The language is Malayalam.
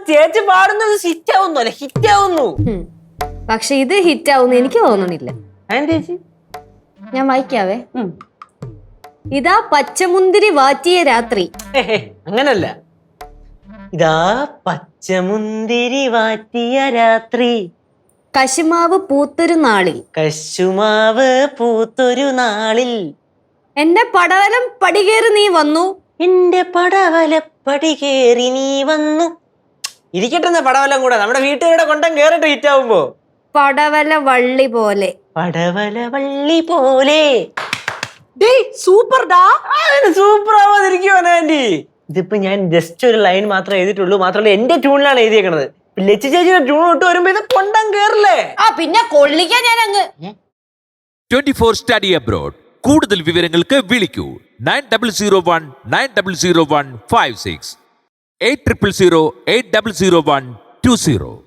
ചേച്ചി പാടുന്നത് ഹിറ്റ് ആവുന്നു അല്ലെ, ഹിറ്റ് ആവുന്നു. പക്ഷെ ഇത് ഹിറ്റ് ആവുന്നു എനിക്ക് തോന്നണില്ല. ചേച്ചി ഞാൻ വായിക്കാവേ. ഇതാ പച്ചമുന്തിരി വാറ്റിയ രാത്രി. അങ്ങനല്ല, ഇതാ പച്ചമുന്തിരി വാറ്റിയ രാത്രി, കശുമാവ് പൂത്തൊരു നാളിൽ, കശുമാവ് പൂത്തൊരു നാളിൽ, എന്റെ പടവലം പടികേറി നീ വന്നു, എന്റെ പടവലപ്പടി കേറി നീ വന്നു. ഇരിക്കട്ടെ പടവലം കൂടെ, നമ്മുടെ വീട്ടുകാരുടെ കൊണ്ടം കേറിട്ട് ഹിറ്റ് ആവുമ്പോ. പടവല വള്ളി പോലെ, പടവല വള്ളി പോലെ. സൂപ്പർ ഡാ. സൂപ്പർ ആവാതിരിക്കുവാ ആന്റി. ഇതിപ്പോ ഞാൻ ജസ്റ്റ് ഒരു ലൈൻ മാത്രമേ എഴുതിയിട്ടുള്ളൂ, മാത്രമല്ല എന്റെ ട്യൂണിലാണ് എഴുതിയേക്കണത്. ലച്ചു ചേച്ചിയുടെ ട്യൂൺ ഇട്ട് വരുമ്പോ ഇത് കൊണ്ടം കേറില്ലേ. പിന്നെ കൊള്ളിക്കാൻ ഞാൻ അങ്ങ് 24 സ്റ്റഡി അബ്രോഡ്. കൂടുതൽ വിവരങ്ങൾക്ക് വിളിക്കൂ 9001900156 800800100120.